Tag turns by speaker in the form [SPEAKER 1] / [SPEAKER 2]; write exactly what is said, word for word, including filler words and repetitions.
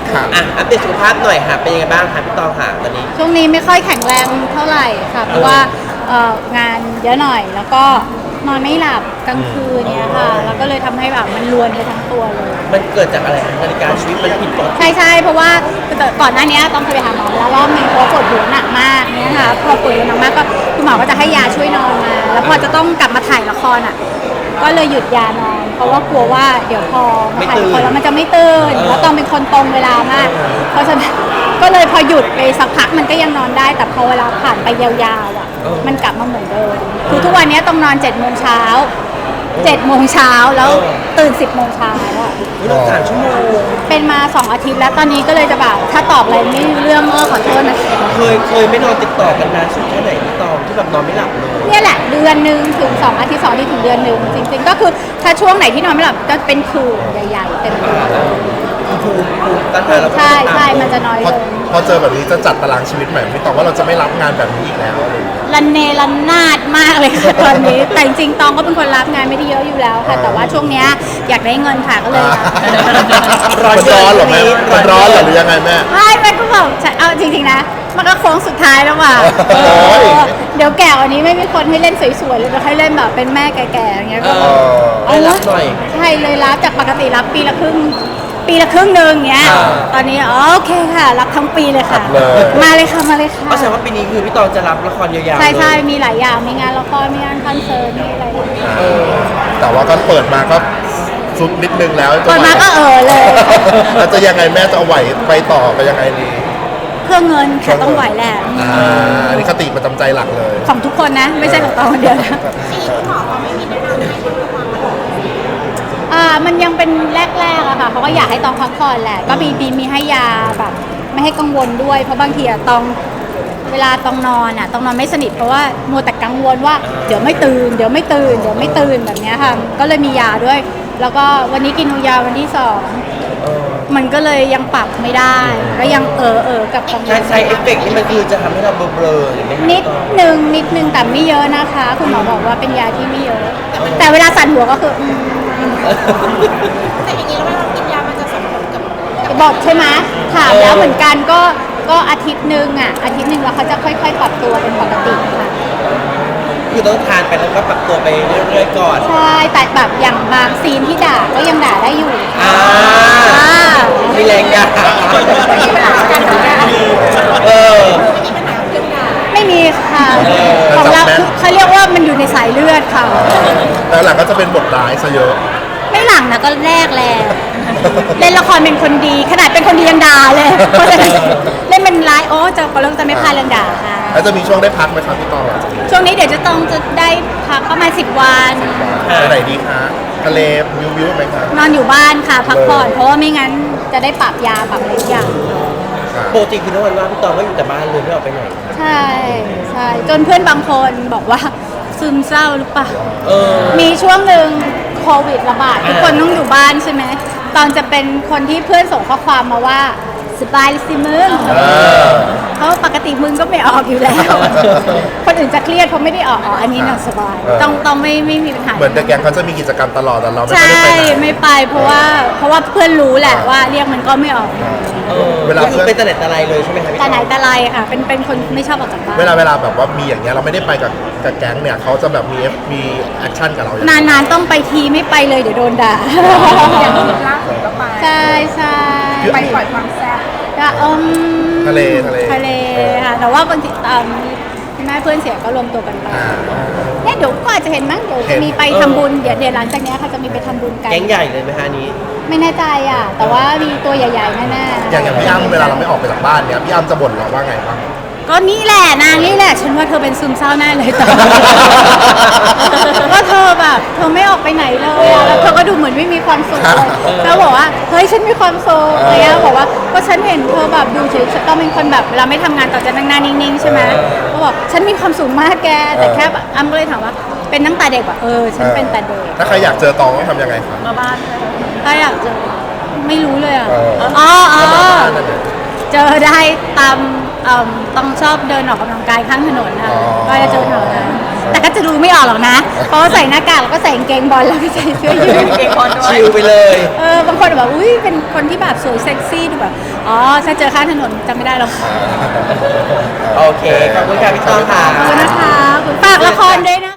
[SPEAKER 1] อ่ะอัปเดตสุขภาพหน่อยค่ะเป็นยังไงบ้างคะพี่ตองค่ะตอนนี้
[SPEAKER 2] ช่วงนี้ไม่ค่อยแข็งแรงเท่าไหร่ค่ะเพราะว่างานเยอะหน่อยแล้วก็นอนไม่หลับกลางคืนเนี่ยค่ะแล้วก็เลยทำให้แบบมันรวนไปทั้งตัวเลย
[SPEAKER 1] มันเกิดจากอะไรคะนาฬิกาชีวิตมันผิดปกติ
[SPEAKER 2] ใช่ใช่เพราะว่าก่อนหน้านี้ต้องเคยไปหาหมอแล้วรอบนึงเพราะปวดหัวหนักมากเนี่ยค่ะพอปวดหัวหนักมากก็คุณหมอก็จะให้ยาช่วยนอนมาแล้วพอจะต้องกลับมาถ่ายละครอ่ะก็เลยหยุดยานอนเพราะว่ากลัวว่าเดี๋ยวพอมาถ่ายละครแล้วมันจะไม่ตื่นแล้วต้องเป็นคนตรงเวลามากเพราะฉะนั้นก็เลยพอหยุดไปสักพักมันก็ยังนอนได้แต่พอเวลาผ่านไปยาวๆอ่ะมันกลับมาเหมือนเดิมคือทุกวันนี้ต้องนอนเจ็ดโมงเช้าเจ็ดโมงเช้าแล้วตื่นสิบโมงเช้าอ่ะ
[SPEAKER 1] นอนสามชั่วโมง
[SPEAKER 2] เป็นมาสองอาทิตย์แล้วตอนนี้ก็เลยจะแบบถ้าตอบอะไรไม่รู้เรื่องเออขอโทษนะ
[SPEAKER 1] เคยเคยไม่นอนติดต่อกันนานสุดแค่ไหนพี่ตองที่แบบนอนไม่หลับเลย
[SPEAKER 2] เนี่ยแหละเดือนหนึ่งถึงสองอาทิตย์สองอาทิตย์ถึงเดือนหนึ่งจริงๆก็คือถ้าช่วงไหนที่นอนไม่หลับก็เป็นคืนใหญ่ๆเต็มตัว
[SPEAKER 1] ภูมิภูมิต้านทานเรา
[SPEAKER 2] ใช่ใช่มันจะน้อยลง
[SPEAKER 3] พอเจอแบบนี้จะจัดตารางชีวิตใหม่ไม่ตองว่าเราจะไม่รับงานแบบนี้อีกแล้ว
[SPEAKER 2] รันเนรันนาดมากเลยค่ะตอนนี้แต่จริงๆตองก็เป็นคนรับงานไม่ได้เยอะอยู่แล้วค่ะแต่ว่าช่วงเนี้ยอยากได้เงินค่ะก็เลย
[SPEAKER 3] ร้อนร้อนหรอแม่มันร้อนหรือยังไงแม่
[SPEAKER 2] ไม่แม่ก็บอกเอาจริงๆนะมันก็โค้งสุดท้ายแล้วว่ะเดี๋ยวแก่วันนี้ไม่มีคนให้เล่นสวยๆเลยจะให้เล่นแบบเป็นแม่แก่ๆอย่างเงี้ยก็
[SPEAKER 1] เอารับหน่อย
[SPEAKER 2] ใช่เลยรับจากปกติรับปีละครึ่งปีละครึ่งหนึ่งเงี้ยตอนนี้โอเคค่ะรับทั้งปีเลยค่ะมาเลยค่ะมาเลยค่ะ
[SPEAKER 1] ก็แสดงว่าปีนี้คือพี่ตองจะรับละครยาวๆ
[SPEAKER 2] ใช่ใช่มีหลายอย่างมีงานละครมีงานคอนเสิร์ตมีอะไร
[SPEAKER 3] แต่ว่าก็เปิดมาก็ซุดนิดนึงแล้ว
[SPEAKER 2] เปิดมาก็เออเลย
[SPEAKER 3] แล้วจะยังไงแม่จะเอาไหวไปต่อไปยังไงดี
[SPEAKER 2] เพื่อเงินค่ะต้องไหวแหละ
[SPEAKER 3] อ่าอันนี้คติประจำใจหลักเลย
[SPEAKER 2] ของทุกคนนะไม่ใช่ของตองคนเดียวนะอ่ามันยังเป็นแรกๆอะค่ะเขาก็อยากให้ตองพักผ่อนแหละก็มีมีให้ยาแบบไม่ให้กังวลด้วยเพราะบางทีอะตองเวลาตองนอนอะตองนอนไม่สนิทเพราะว่ามัวแต่กังวลว่าเดี๋ยวไม่ตื่นเดี๋ยวไม่ตื่นเดี๋ยวไม่ตื่นแบบนี้ค่ะก็เลยมียาด้วยแล้วก็วันนี้กินยาวันที่สองมันก็เลยยังปรับไม่ได้ก็ยังเออเออกับกังวล
[SPEAKER 1] ใช้เอฟเฟกต์นี่มันคือจะทำให้เราเบลอๆหรือไม่
[SPEAKER 2] นิดนึงนิดนึงแต่ไม่เยอะนะคะคุณหมอบอกว่าเป็นยาที่ไม่เยอะแต่เวลาสั่นหัวก็คือ
[SPEAKER 4] แต่อย่างนี้แล้วเวลาเรากินยามันจะส่งผลกับ
[SPEAKER 2] บอกใช่ไหมถามแล้วเหมือนกันก็ก็อาทิตย์หนึ่งอ่ะอาทิตย์หนึ่งแล้วเขาจะค่อยๆปรับตัวเป็นปกติค่ะ
[SPEAKER 1] คือต้องทานไปแล้วก็ปรับตัวไปเรื่อยๆก่อน
[SPEAKER 2] ใช่แต่แบบอย่างบางซีนที่ด่าก็ยังด่าได้อยู่
[SPEAKER 1] อ่ามีแรงด่าเออ
[SPEAKER 2] ไม่มีค่ะของเราเขาเรียกว่ามันอยู่ในสายเลือดค่ะ
[SPEAKER 3] แต่หลังก็จะเป็นบทร้ายซะเยอะ
[SPEAKER 2] ไม่หลังนะก็แรกแหละเล่นละครเป็นคนดีขนาดเป็นคนดียังด่าเลยเพราะฉะนั้นเล่นเป็นร้ายโอ้จะก็เริ่มจะไม่พลาดเรื่องด่าค่ะ
[SPEAKER 3] แล้วจะมีช่วงได้พักไหมครับพี่ตอง
[SPEAKER 2] ช่วงนี้เดี๋ยวจะต้องจะได้พักประมาณสิบวัน
[SPEAKER 3] ไปไหนดีคะทะเลวิววิวไหมครับ
[SPEAKER 2] นอนอยู่บ้านค่ะพักผ่อนเพราะว่าไม่งั้นจะได้ปรับยาปรับอะไรอย่าง
[SPEAKER 1] ปกติคือทุกวันว่าพี่ตองก็อยู่แต่บ้านเลยไม่ออกไปไหน
[SPEAKER 2] ใช่ใช่จนเพื่อนบางคนบอกว่าซึมเศร้าหรือเปล่ามีช่วงหนึ่งโควิดระบาดทุกคนต้องอยู่บ้านใช่ไหมตอนจะเป็นคนที่เพื่อนส่งข้อความมาว่าสบายสิมึงเพราะปกติมึงก็ไม่ออกอยู่แล้วคนอื่นจะเครียดเพราะไม่ได้ออกอ๋ออันนี้น่าสบายต้องต้องไม่ไม่มีปัญหา
[SPEAKER 3] เหมือนแต่แกงเขาจะมีกิจกรรมตลอดแต่เราไม่
[SPEAKER 2] ได้
[SPEAKER 3] ไปไหน
[SPEAKER 2] ไม่ไปเพราะว่าเพราะว่าเพื่อนรู้แหละว่าเรียกมันก็ไม่ออก
[SPEAKER 1] เวลาคือเป็นตะเน็ตตะไลเลยใช่ไหมครับ
[SPEAKER 2] ตะไหนตะไลค่ะเป็นเป็นคนไม่ชอบออกจากบ้าน
[SPEAKER 3] เวลาเวลาแบบว่ามีอย่างเงี้ยเราไม่ได้ไปกับกับแก๊งเนี่ยเขาจะแบบมีมีแอคชั่นกับเรา
[SPEAKER 2] นานๆต้องไปทีไม่ไปเลยเดี๋ยวโดนด่า
[SPEAKER 4] อย่างที่ล่าสุดก็ไป
[SPEAKER 2] ใช่ใช่
[SPEAKER 4] ไปปล่อยความแซ่บ
[SPEAKER 2] อืม
[SPEAKER 3] ทะเลทะเล
[SPEAKER 2] ทะเลค่ะแต่ว่าบางทีคุณแม่เพื่อนเสียก็รวมตัวกันไปเนี่ยเดี๋ยวก็อาจจะเห็นมั้งเดี๋ยวจะมีไปทำบุญเดี๋ยวเดี๋ยวหลังจากนี้ค่ะจะมีไปทำบุญกัน
[SPEAKER 1] แก๊งใหญ่เลยไหมฮะนี้
[SPEAKER 2] ไม่แน่ใจอ่ะแต่ว่ามีตัวใหญ่ๆแน่ๆ
[SPEAKER 3] อย่างอย่างพี่อ้ำเวลาเราไม่ออกไปจากบ้านเนี่ยพี่อ้ำจะบ่นเราว่าไงบ้าง
[SPEAKER 2] ก็นี่แหละนางนี่แหละฉันว่าเธอเป็นซึมเศร้าแน่เลยตอนนี้ว่าเธอแบบเธอไม่ออกไปไหนเลยแล้วเธอก็ดูเหมือนไม่มีความสุขเลยแล้วบอกว่าเฮ้ยฉันมีความสุขอะไรเงี้ยบอกว่าก็ฉันเห็นเธอแบบดูเฉยๆต้องเป็นคนแบบเราไม่ทำงานต่อจะนั่งหน้านิ่งๆใช่ไหมก็บอกฉันมีความสุขมากแกแต่แค่แบบอ้ำก็เลยถามว่าเป็นตั้งแต่เด็กว่าเออฉันเป็นแต่เด็ก
[SPEAKER 3] ถ้าใครอยากเจอตองต้องทำยังไงครับ
[SPEAKER 2] มาบ้านถ้าอยากเจอไม่รู้เลยอ่ะอ๋ออ๋อเจอได้ตามต้องชอบเดินออกกำลังกายข้างถนนค่ะก็จะเจอแถวนั้นแต่ก็จะดูไม่ออกหรอกนะ เพราะว่าใส่หน้ากากแล้วก็ใส่กางเกงบอลแล้วก็ใส่เสื้อยืด
[SPEAKER 4] เก่งบอลด้วย
[SPEAKER 1] ชิลไปเลย
[SPEAKER 2] เออบางคนแบบอุ้ยเป็นคนที่แบบสวยเซ็กซี่ดูแบบอ๋อถ้าเจอข้างถนนจำไม่ได้หรอก
[SPEAKER 1] โอเค ขอบคุณค่ะพี่ต้องค่ะ
[SPEAKER 2] ขอบคุณนะคะขอบคุณฝากละครด้วยนะ